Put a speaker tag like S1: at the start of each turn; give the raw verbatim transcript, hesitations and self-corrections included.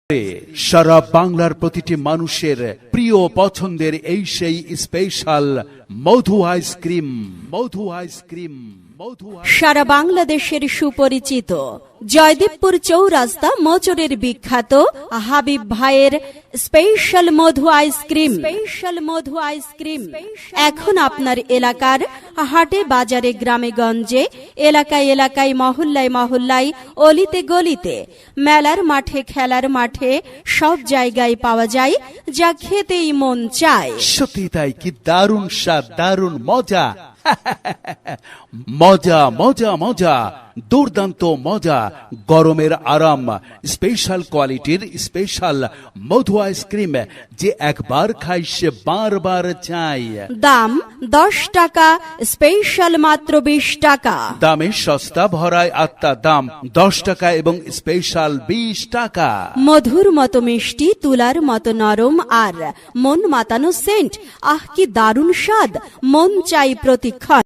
S1: সারা বাংলার প্রতিটি মানুষের প্রিয় পছন্দের এই সেই স্পেশাল মধু আইসক্রিম মধু আইসক্রিম
S2: সারা বাংলাদেশের সুপরিচিত জয়দেবপুর চৌরাস্তা মোচরের বিখ্যাত হাবিব ভাইয়ের স্পেশাল মধু আইসক্রিম স্পেশাল মধু আইসক্রিম এখন আপনার এলাকার হাটে বাজারে গ্রামে গঞ্জে এলাকায় এলাকায় মহল্লায় মহল্লায় অলিতে গলিতে মেলার মাঠে খেলার মাঠে সব জায়গায় পাওয়া যায়, যা খেতেই মন চায়।
S1: সত্যি তাই, কি দারুণ স্বাদ, দারুণ মজা। মজা মজা মজা, দুর্দান্ত মজা, গরমের আরাম, স্পেশাল কোয়ালিটির স্পেশাল মধু আইসক্রিম, যে একবার খাই সে বারবার চাই।
S2: দাম দশ টাকা, স্পেশাল মাত্র বিশ টাকা।
S1: দামে সস্তা, ভরায় আত্মা, দাম দশ টাকা এবং স্পেশাল বিশ টাকা।
S2: মধুর মতো মিষ্টি, তুলার মতো নরম আর মন মাতানো সেন্ট, আহ কি দারুণ স্বাদ, মন চাই প্রতিক্ষণ।